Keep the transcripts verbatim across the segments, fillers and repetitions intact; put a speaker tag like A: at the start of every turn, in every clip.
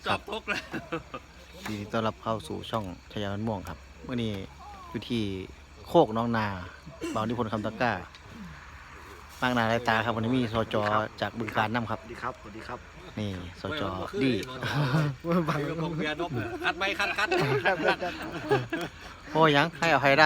A: จอบตกแล้ว
B: ยินดีต้อนรับเข้าสู่ช่องชายาม่วงครับเมื่อนี้อยู่ที่โคกน้องนาบางนิพนธ์คำตะกร้ามากนาไรตาครับวันนี้มีสจจากบึงการน้ำครับ
C: สวัสดีครับสวัสดีครับ
B: นี่สจดี
A: บังกเบียร์นกคัดไม่คัดคัด
B: โอ้ยังให้เอาใครได้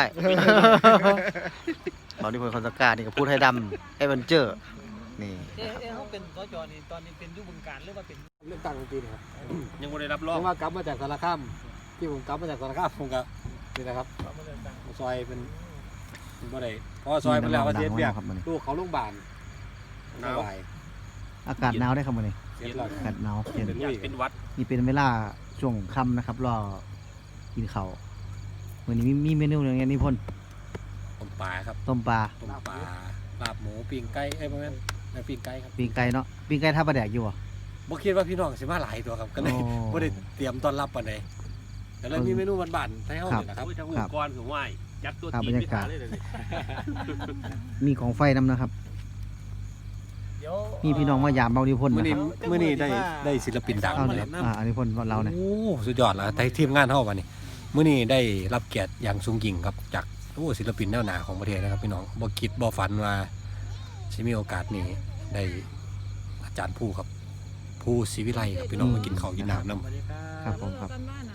B: บางนิพนธ์คำตะกร้านี่ก็พูดให้ดำไอ้เวนเจอร์นี่
D: เอ๊ะเขาเป็นสจนี่ตอนนี้เป็นยุบึงการหรือว่าเป็น
C: เรื่องตั้งดนตรีครับ
A: ยังไม่ได้รับรอง
C: ที่ว่ากลับมาจากสารคามที่ผมกลับมาจากสารคามผมก็นี่นะครับซอยเป็นเป็นบ่ได้เพราะซอยเป็นแล้วว่าเสียเปียกลูกเขาโรงพยาบาลสบาย
B: อากาศหนาวได้ครับวันนี้
C: เสียหลัก
B: อากาศหนาวเย็น
A: อยากเป็นวัด
B: นี่เป็นเวลาช่วงค่ำนะครับรอกินข้าววันนี้มีมีเมนูอย่างเงี้ยนิพนธ์
C: ต้มปลาครับ
B: ต้มปลา
C: ต้มปลาลาบหมูปิ้งไก่เอ้ยประมาณนั้นปิ้งไก่ครับ
B: ปิ้งไก่เนาะปิ้งไก่ท่าปลาแดกอยู่อ่ะ
C: บ่คิดว่าพี่น้องสิมาหลายตัวครับก็เลย
B: โอ้
C: บ่ได้เตรียมต้อนรับปานใดแต่เลยมีเมนูบ้านๆให้เฮานี่แหละครับ
A: ทางอุปกรณ์ถึงไหวยัดตัว
B: ครับ
A: จี
B: บร
A: น
B: ร
A: ไป
B: ยากา
A: หา
B: ศ
A: เลยเลย
B: มีของไฟนำนะครับ
D: เดี๋ยว
B: มีพี่น้องมายามเบานิพนธ์
C: มื้อ
B: นะ
C: นี้
B: ครับ
C: มื้อนี้ได้ได้ศิลปินดัง
B: เอา
C: มา
B: เนี่
C: เลย ย
B: อ่าอันนี้พนธ์เราเนี่ย
C: โอ้สุดยอดแล้วแต่ทีมงานเฮาวันนี้มื้อนี้ได้รับเกียรติอย่างสูงยิ่งครับจากโอ้ศิลปินแนวหน้าของประเทศนะครับพี่น้องบ่คิดบ่ฝันว่าสิมีโอกาสนี้ได้อาจารย์ผู้ครับผู้ศรีวิไลครับพี่น้องมากินข้าวกินน้ำนำ
D: สวัสดีครับ
B: ครับผมครับ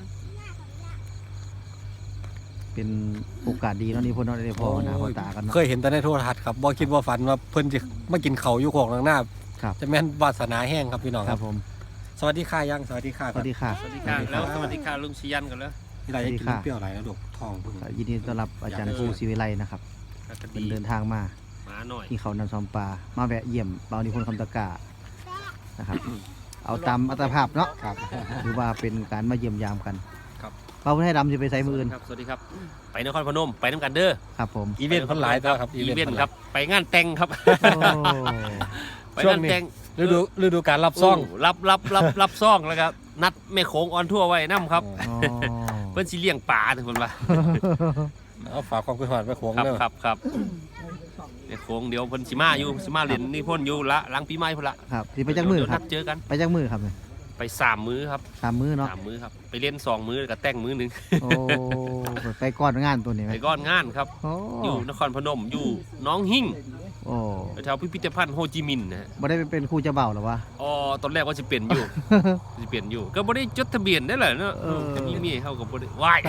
B: เป็นโอกาสดีเนาะนิพนธ์เนาะได้พอหน้าพอตากันเนาะ
C: เคยเห็นแต่ในโทรทัศน์ครับบ่คิดบ่ฝันว่าเพิ่นจะมากินข้าวอยู่โคกหน้า
B: ครับ
C: จะแม่นวาสนาแห้งครับพี่น้อง
B: ค
C: ค
B: รั
C: รั
B: บบ ผม
C: สวัสดีค่ะยังสวัสดีค่ะ
B: สวัสดีค่ะ
A: สวัสดีค่ะแล้วสวัสดีค่ะลุงชิยันกันแล้ว
C: พี่ไรจะกินเปรี้ยวอะไรนะลูกทองเพิ่ง
B: ยินดีต้อนรับอาจารย์ภูศิวิไลนะครับ
A: ค
B: เป็น
A: ดี
B: เดินทางมา
A: มาหน่อย
B: ที่เขานำซอมปลามาแวะเยี่ยมเบานิพนธ์คำตะกร้านะครับ เอาตามอัตภาพเนาะ
C: ครับ
B: หรือว่าเป็นการมาเยี่ยมยามกัน
C: ครับ
B: เบาให้ดำจะไปใส่มืออื่น
A: ครับสวัสดีครับไปนครพนมไปน้ำกันเด้อ
B: ครับผม
C: อีเวนต์คนหลายตัวครับ
A: อีเวนต์ครับไปงานแต่งครับ
B: โอ้
A: ไปงานแต่ง
C: ฤดูฤดูการรับซ่อง
A: โรับรับรับรับซ่องแล้วครับนัดแม่โขงออนทั่วร์ไว้น้ำครับ
B: อ๋อ
A: เพิ่นสิเลี้ยงปลาถึงคนว่า
C: เอาฝากความคิดหอดไปโค้ง
A: ครับ
C: เด้อ
A: ครับครับแม่โขงเดี๋ยวเพิ่นสิมาอยู่สิมาเรียนนี่พ่นอยู่ละหลังปีใหม่พุ่นละ
B: ครับสิไปจักมือครับ
A: เดี๋ยวนัดเจอกัน
B: ไปจักมือครับเนี่ย
A: ไปสามมื้อครับ
B: สามมือเนาะ
A: สามมื้อครับไปเล่นสองมื้อแล้วก็แต่งมื้อหนึง
B: โอ้ไปก้อนงานตัวนี้ไหม
A: ไปก้อนงานครับ
B: โอ้
A: อยู่นครพนมอยู่หน้องหิ่ง
B: โอ้
A: แถวพิพิธภัณฑ์โฮจิมินห์นะฮะ
B: บ่ได้เป็นครูเจะเบาหรอวะ
A: อ๋อตอนแรกว่าจะเปลี่ยนอยู่ จะเปลี่ยนอยู่ ก็บ่ได้จดทะเบียนได้แหละเนาะ
B: เออ
A: จะมีเมียเขาก็บ่ได้วาย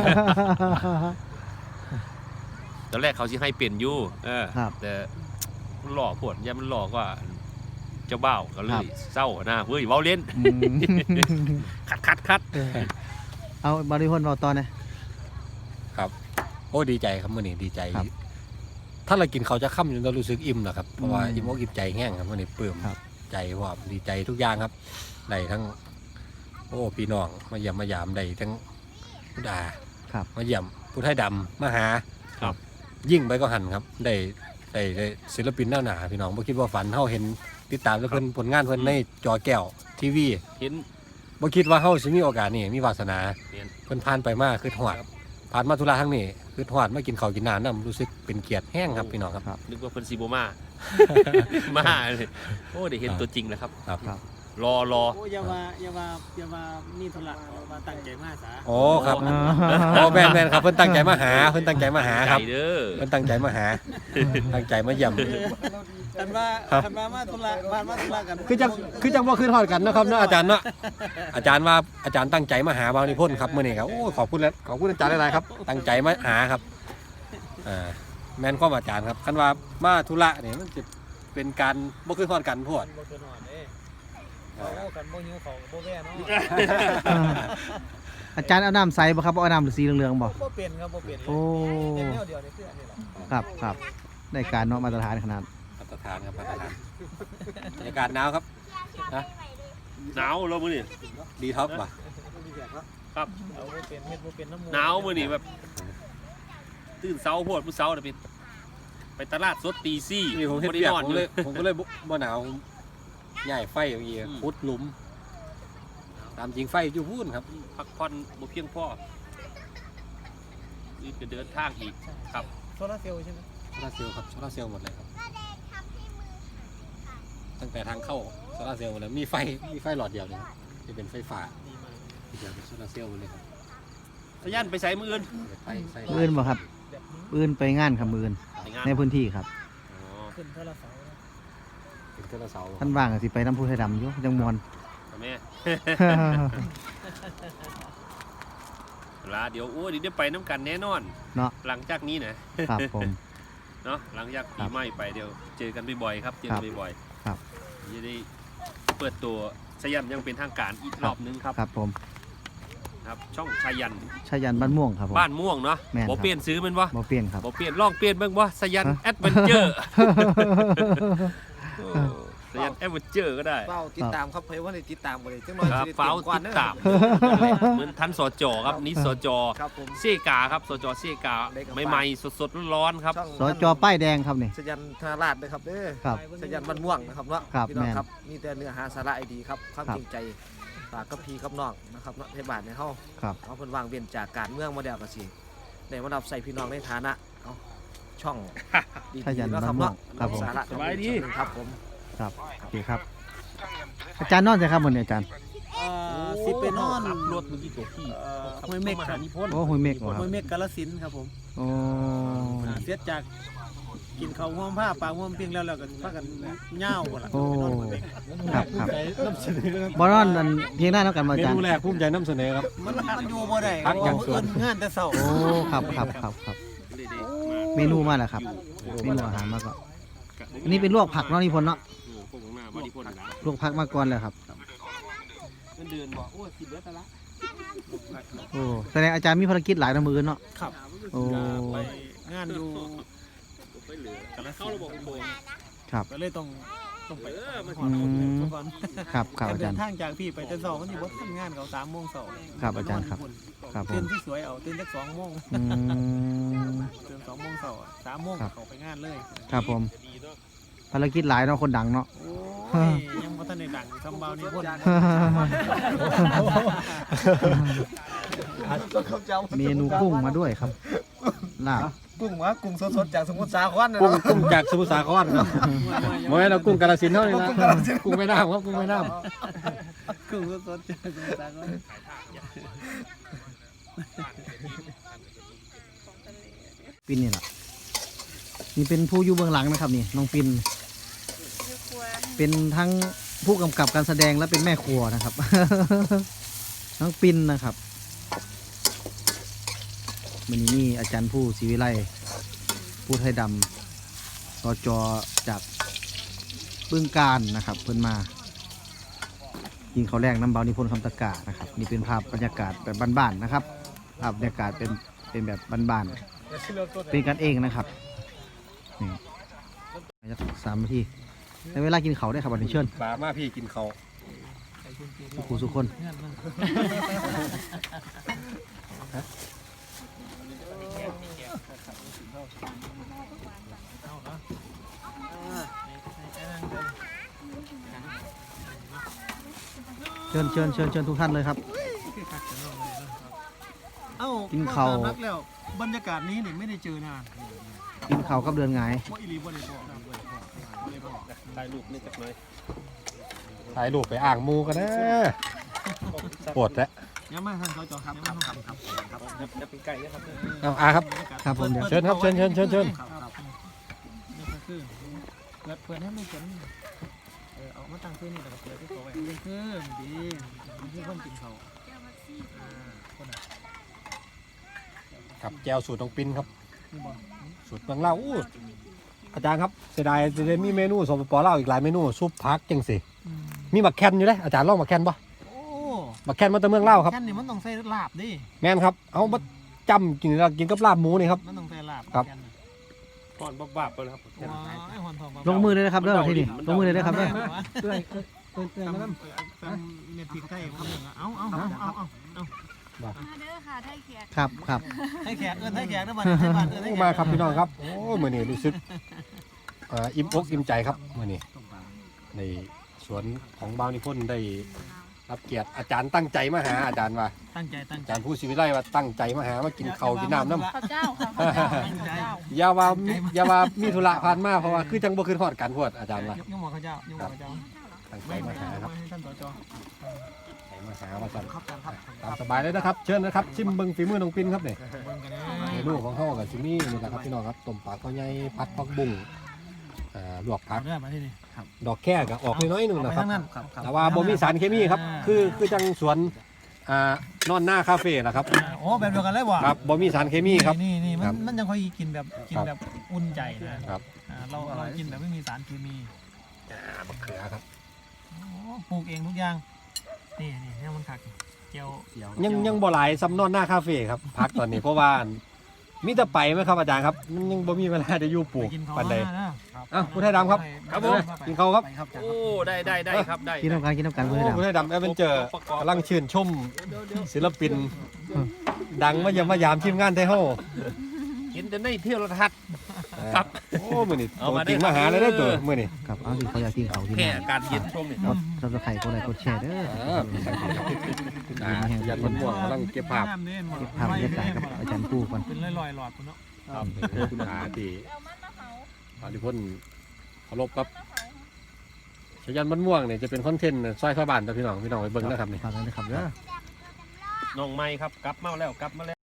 A: ตอนแรกเขาสิให้เปลี่ยนอยู่เออ
B: ครับ
A: แต่มันหลอกพวดยามันหลอกว่าเจ้าบ่าวก็เล
B: ครั
A: ย
B: บ
A: เศร้านะเฮ้ยเว้าเล่น
B: อืม
A: คัดคัดคัด
B: เอาบริพนธ์เบาตอนนะ
C: โอ้ดีใจครับมื่อนี้ดีใจ
B: ครับ
C: ถ้าเรากินเขาวจะค่ำจนเรารู้สึกอิ่มนะครับเพราะว่า
B: อืม
C: อิ่มอกอิ่มใจแห้งครับมื่อนี้ปลื้ม
B: ครับ
C: ใจว่าดีใจทุกอย่างครับได้ทั้งโอ้พี่น้องมาเยี่ยมมายามได้ทั้งพุทธา
B: ครับ
C: มาเยี่ยมพุทธไทยดำมาหา
A: ครับ
C: ยิ่งไปก็หันครับได้ได้ได้ศิลปินหน้าหนาพี่น้องบ่คิดว่าฝันเฮาเห็นติดตามแล้วเพิ่นผลงานเพิ่นในจอแก้วทีวี
A: เห็น
C: บ่คิดว่าเฮาสิมีโอกาสนี่มีวาสนา
A: เห็น
C: เพิ่นผ่านไปมาคือหอดผ่านมาธุระทั้งนี้คือหอดมากินข้าวกินน้ำนํรู้สึกเป็นเกียรติแห้งครับพี่น้องครับ
A: นึกว่าเพิ่นสิบ่มา มาเลยโอ้ได้เห็นตัวจริงแล้วครับ
C: ครับ
B: ครับ
A: รอรอ
D: โอ้อย่ามาอย่ามาอย่ามานี่ธุระมาตั้งใจมาสา
C: โอ้ครับโอ้แม่นแม่นครับเพิ่นตั้งใจมาหาเพิ่นตั้งใจมาหาครับ
A: ใจเด้อ
C: เพิ่นตั้งใจมาหา ตั้งใจมาเยี่ยม
D: กันว่า
C: ครับ
D: กันว่ามาธุระมามาธุระกัน
C: คือจังคือจังบ่คืนฮอดกันเนาะครับเนาะอาจารย์เนาะอาจารย์ว่าอาจารย์ตั้งใจมาหาบางนิพนธ์ครับมื้อนี้ครับโอ้ขอบคุณแล้วขอบคุณอาจารย์หลายๆครับตั้งใจมาหาครับอ่าแม่นความอาจารย์ครับคันว่ามาธุระนี่มันจะเป็นการบ่คืนฮอดกันโพด
D: บ่เกินหอดเด้เอากันบ่หิวเขาบ่แว่เนาะ
B: อาจารย์เอาน้ำใสบ่ครับเอาน้ำหรือสีเหลืองๆบ่
D: บ่เป็นครับบ่เป็นเลย
B: โอ้
D: เป็นแนวเดียวนี่คืออันนี้แหละ
B: ครับครับได้การเนาะมาตรฐานขนาด
C: มาตรฐานครับมาตรฐานบรรยากาศหนาวครับนะ
A: หนาวแล้วมื้อนี้
C: ดีท็อกป่ะ
A: ครับ
D: เอาบ่เป็นเฮ็ดบ่เป็นน้ำมู
A: หนาวมื้อนี้แบบตื่นเช้าโพดมื้อเช้าน่ะไปไปตลาดสดตีสี่
C: นี่ผมเฮ็ด
A: บ่ได้
C: เปียก
A: นอน
C: ผ
A: อ
C: ม
A: ยู่
C: เลยผมก็เลยบ่บ่หนาวใหญ่ไฟอย่างเงี้ย
A: อืม
C: พุดหลุม ตามจริงไฟอยู่พูนครับ
A: พักผ่อนบ่เพียงพอนี่จะเดินทางอีกครับ
D: โซลาร์เซลล์ใช่ไหม
C: โซลาร์เซลล์ครับโซลาร์เซลล์หมดเลยครับตั้งแต่ทางเข้าโซลาร์เซลล์หมดเลยมีไฟมีไฟหลอดเดียวเลยครับจะเป็นไฟฟ้า
D: ดีมาก
C: จะเป็นโซลาร์เซลล์เลยครับ
A: สยันไปใส่มืออื่น
C: ไปใส่
B: มืออื่นบ่ครับ
D: แบบนี้
B: มืออื่นไปงานครับมืออื่น
A: ไปงาน
B: ในพื้นที่ครับ
A: อ๋อ
D: ขึ้นเท่าละเสานะ
C: เป็นโซลาร์เซลล์
B: ท่านว่างก็สิไปน้ำพุไทยดำอยู่จังมวน
A: แม่ลาเดี๋ยวโอ้ยเดี๋ยวได้ไปน้ำกันแน่นอน
B: เนาะ
A: หลังจากนี้นะครับ
B: ผม
A: เนาะหลังจากปีใหม่ไปเดี๋ยวเจอกันบ่อยๆครับเจอกันบ่อยๆ
B: ครับ
A: จะได้เปิดตัวสยันยังเป็นทางการอีกรอบนึงครับ
B: ครับผม
A: ครับ ช่องชายัน
B: ชายันบ้านม่วงครับผม
A: บ้านม่วงเนาะ
B: แม่นครับ
A: บ่เปลี่ยนซื้อมันวะ
B: บ่เปลี่ยนครับ
A: บ่เปลี่ยนลองเปลี่ยนเบ้างวะสยัน
B: ฮะ
A: แอดเวนเจอร์สยันแอดเวนเจอร์ก็ได้
E: เฝ้าติดตามครับเพื่อว่าได้ติดตามบ่ได้จังน้อย
A: ครับ
E: สิได้
A: เฝ้า
E: ก่อน
A: ติด
E: เด้อ
A: ตามเหมือนทันสจครับนี่สจ
E: ครับผม
A: เซกาครับสจเซกา
E: ได้ครับ
A: ใหม่ๆสดๆร้อนๆครับ
E: ช่อง
B: สจป้ายแดงครับนี่
E: สยันธนาราชเด้อครับเด้อ
B: ครับ
E: สยันบ้านม่วงนะครับเนาะ
B: ครับ
E: พี่น้อง
B: แม่น
E: ครับมีแต่เนื้อหาสาระดีครับความ
B: ครับ
E: จริงใจฝากกับพี่กับน้องนะครับเนาะให้บ้านในเฮา
B: ครับ
E: เอาเพิ่นวางเว้นจากการเมืองมาแล้วก็สิได้มารับใส่พี่น้องในฐานะเอาช่องดี
B: ชายัน
E: ๆเนาะค
B: บ้า
E: รับ
B: นม่ว
E: เนาะ
B: งครับผม
E: สาระ
A: สบายดี
E: ครับผม
B: ครับโอเคครับ อาจารย์นอนใช่ครับวันนี้อาจารย์
D: เอ่อสิไปนอน
A: ขับรถเมื่อกี้ตัวพี่
D: เอ่อห้วยเม็ก
A: ม
D: ค
A: หา
D: รับ
A: นิพนธ์
B: โอ้หุยเมฆเหรอค
D: ห้
B: รับ
D: วยเม็กกาฬสินธุ์ครับผม
B: โอ้
D: อ่าเสียจากกินข้าวห่วมผ้าปลาห่วมปิ้งแล้วแล้วก็พากันเหย้าบ่ล่ะ
B: โอ้
D: ไปนอนห้วยเม็ก
B: ครับครับ
C: นำเสนอครับ
B: บอนอนนั่นเพียงหน้าแล้วกันมา
C: เม
B: อาจาร
C: นู
B: ย์
C: แรกภูมิใจนำเสนอครับ
D: มันมันอยู่บ่ได้
C: พักอย่าง
D: เพ
C: สวน
D: ราะว่าเอิ้นงานแต่เช้า
B: โอ้ครับครับครับครับเมนูมาแล้วครับเมนูอาหารมาก็อันนี้เป็นลวกผักเนาะนิพนธ์เนาะ
A: พวกข้างหน้าบาริพนธ์นะ
B: ลวกผักมาก่อนเลยครับ
A: เงินเดือนบอกโอ้ยสิบเดือนแต่ละ
B: โอ้แสดงอาจารย์มีภารกิจหลายนะมือเนาะ
D: ครับ
B: โอ้
D: ไปงานอยู่
A: ไปเหลือกันแล้วเข้าระบบโบน
B: ครับ
D: ก็เลยต้องต้องไป
A: เออมัน
D: ขอโทษเลยทุกคน
B: ครับครับอา
D: เดิ
B: จาร
D: น
B: ย์
D: ทางจากพี่ไปแต่เช้ามันสิบ่ทันงานเขาสามโมงเช้า
B: ครับอาจารย์ครับ ครับผ
D: ตื่น
B: ม
D: ที่สวยเอาตื่นจักสองโมง
B: อืม
D: ตื่นสองโมงเช้าอะสามโมง
B: ครับ
D: เขาไปงานเลย
B: ครับผมภารกิจหลายเนาะคนดังเนาะ
D: โอ้ยยังบ่ทันได้ดังทำเบานี่พ่น
B: เมนูกุ้งมาด้วยครับลาบ
E: กุ้งหวะกุ้งสดๆจากสมุทรสาครนะ
C: กุ้ง
E: เนาะ
C: กุ้งจากสมุทรสาครครับโมยเรากุ้งกาฬสินธุ์เท่านี้นะกุ้งไม่น้ำครับกุ้งไม่น้ำ
D: กุ้งสดๆจากสมุทรสาคร
B: ปินนี่แหละนี่เป็นผู้อยู่เบื้องหลังนะครับนี่น้องปินเป็นทั้งผู้กำกับการแสดงและเป็นแม่ครัวนะครับ น้องปินนะครับวันนี้นี่อาจารย์ผู้ศรีวิไลผู้ไทยดำสจจากบึงการนะครับ เพิ่นมายิงเขาแรกน้ำเบานิพนธ์คำตะกานะครับนี่เป็นภาพบรรยากาศแบบบ้านๆนะครับภาพบรรยากาศเป็นเป็นแบบบ้านๆเป็นกันเองนะครับนี่สามนาทีในเวลากินเขาวได้ครับวันนี้เชิญ
C: ปลามาพี่กินเขาว
B: ทุกผู้ทุกคน
D: งานมันเอาเนาะอ่าในในอ่างเลย
B: เชิญเชิญเชิญเชิญทุกท่านเลยครับ
D: เอ้า
B: กินข้าว
D: ตมนักแล้วบรรยากาศนี้เนี่ยไม่ได้เจอนาน
B: กินเขาวกับเดือนไงาย
D: ว่าอีหลีบ่ได้บอกครับบ่ได้บอกบ่ได้บอก
A: ถ่ายรูปนี่จักหน่อย
C: ถ่ายรูปไปอ่างหมูกันนะปวดแล้ว
D: ยังมาท่านสจครับครับครับครับ
A: จะเป็นไก่นะครับ
C: เอาอาครับ
B: ครับผมเดี๋ยว
C: เชิญครับเชิญเชิญเชิญเชิญ
D: ครับครับนี่ก็คือเปิดเปิดให้มันเขียนเออเอามาตั้งคืนนี่แล้วก็เปิดที่ตัวไว้นี่คือดีนี่คือคนกินเขาวอ่าคนอ่ะ
C: กับแจวสูตรน้องปินครับ
D: นี่บอก
C: สูตรเมืองเล่าวอู้อาจารย์ครับเสียดายจะได้มีเมนูสปปลาวอีกหลายเมนูซุปผักจังสิ
D: อืม
C: มีหมักแคนอยู่เลยอาจารย์ลองหมักแคนปะ
D: โอ้
C: หมักแคนมาแต่เมืองเล่าวครับ
D: แค่นี้มันต้องใส่ลาบดิ
C: แม่นครับเอามาจำกินแล้วกินกับลาบหมูนี่ครับ
D: มันต้องใส่ลาบ
C: ครับ
D: แค่นั้น
A: ก่อนบ้าๆไปแล้วครับ
D: ว้ายหอนทอง
B: ลงมือเลยนะครับเด้อที่นี่ลงมือเลยนะครับเด้อ
D: เตือนเตือนเตือนนะครับเม็ดพริกไทยคนหนึ่งอะเอาเอาเอาเอาเอาเอา
F: มาเด้อค่ะไทยเขียด
B: ครับครับ
D: ให้แขกเอิ้นให้แขกนะบัดนี้ให้บัดเอิ้นให้
C: โอ้
D: แขก
C: มาครับพี่น้องครับโอ้มื่อนี้รู้สึกเอ่ออิ่มอกอิ่มใจครับมื่อนี้ในสวนของบาวนิพนธ์ได้รับเกียรติอาจารย์ตั้งใจมาหาอาจารย์ว่า
D: ตั้งใจตั้ง
C: อา
D: ใจ
C: จารย์ผู้ศิวิไลว่าตั้งใจมาหามากินข้าวกินน้ำน้ำ
F: ข้าวเจ้าค่ะข้าวเจ้าข้าวเจ้า
C: อย่าว่ามีอย่าว่ามีธุระผ่านมาเพราะว่าคือจังบ่คือทอดกันพวดอาจารย์ว่า
D: ยุ่งหมอข้าเจ้ายุ่งหมอข้าเจ้า
C: ตั้งใจ
D: ไม่
C: มาหาครับ
D: ให้ท่านสจ
C: ตั้งใจมามาหามาสั่น
E: ครับอาจารย์ครับ
C: ตามสบายเลยนะครับเชิญนะครับชิมเบิ่งฝีมือน้องปินครับนี่
D: เบิ่งกันนะ
C: เมนูของเขากับชิมี่นี่แหละครับพี่น้องครับต้มปลาข้าวใหญ่ผัดผักบุ้งอ่าลวกผั
D: เอา
C: ก
D: เด้อมาที่นี่ครับ
C: ดอกแค่ก็ออกน้อยๆหนึง
D: เอา
C: นะ
D: ไป
C: ครับ
D: ทางนั้น
E: ครับครับ
C: แต่ว่าบ่มีสารเคมีครับคือคือจังสวนอ่านอนหน้าคาเฟ่นะครับ
D: อ่าโอ้แบบเดียวกันเลยว่ะ
C: ครับบ่มีสารเคมีครับ
D: นี่นี่มั
C: ครั
D: น
C: บ
D: มันยังค่อยกินแบบกินแบบอุ่นใจนะครับ อ่าเราเรากินแบบไม่มีสารเคมี
C: อ่ามะเขือครับ
D: โอ้ปลูกเองทุกอย่างนี่นี่เนี่ยมันขักเจียว
C: ยังยังบ่หลายซ้ำนอนหน้าคาเฟ่ครับพักตอนนี้เพราะว่ามีแต่ไปไหมครับอาจารย์ครับมันยังบ่มีเวลาจะอยู่ปลู
D: ไป
C: ก
D: กินเขา
C: ปานใด
D: มานะ
C: อ้าวผู้ไทยดำครับ
A: ครับผม
C: กินข้าวครับ
E: ไปครับอาจารย์
A: โอ้ได้ได้ได้ครับได้
B: กินน้ำกันกินน้ำกันเพื่อน
C: โอ้ผู้ไทยดำแอดเวนเจอร์กำลังชื่นชมศิลปิน ดังมาเยามมายามทีมงานไทยเฮา
A: เห็นแต่ในเที่ยวรทัศน์ ครับ
C: โอ้มื้อนี้
A: เอา
C: ตัว
A: มา
C: จริง
A: ได้
C: มาหาเลยเด้อตัวมื้อนี้
B: ครับเอาสิเขาอยากกินเขากิน
A: แค่
B: น้ำ
A: การเย็นช่วงนี้
B: ครับซับสไครต์กดไลค์กดแชร์เด้อ
C: อ่าอ่ายันมันม่วงกำลังเก็บภาพ
D: น้ำเนี่ยมัน
B: เก็บภาพบรรยากาศกับอาจารย์ปูก่อน
D: เป็นลอยๆหลอดคุณเนาะ
C: ครับคุณหาที่อาริพนเคารพครับชยันมันม่วงเนี่ยจะเป็นคอนเทนต์ซอยชาวบ้านแต่พี่น้องพี่น้องไปเบิ่งนะครับนี่
B: ฝากกันนะครับเด้อ
A: น้องไม้ครับกลับมาแล้วกลับมาแล้ว